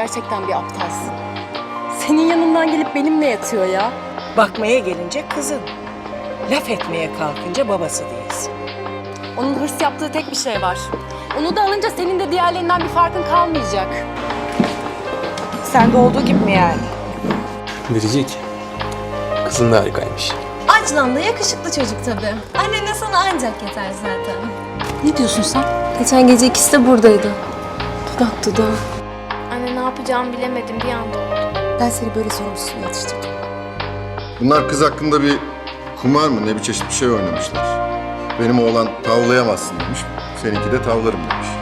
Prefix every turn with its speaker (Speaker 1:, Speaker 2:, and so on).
Speaker 1: gerçekten bir aptalsın. Senin yanından gelip benimle yatıyor ya.
Speaker 2: Bakmaya gelince kızın. Laf etmeye kalkınca babası değilsin.
Speaker 1: Onun hırs yaptığı tek bir şey var. Onu da alınca senin de diğerlerinden bir farkın kalmayacak.
Speaker 2: Sen de olduğu gibi mi yani?
Speaker 3: Biricik, kızın da harikaymış.
Speaker 4: Açlan da yakışıklı çocuk tabii. Annene sana ancak yeter zaten.
Speaker 1: Ne diyorsun sen?
Speaker 4: Geçen gece ikisi de buradaydı. Dudak dudağa.
Speaker 5: Anne ne yapacağımı bilemedim bir anda oldu.
Speaker 1: Ben seni böyle sorumsuzluğuna yetiştirdim.
Speaker 6: Bunlar kız hakkında bir kumar mı ne bir çeşit bir şey oynamışlar. Benim oğlan tavlayamazsın demiş. Seninki de tavlarım demiş.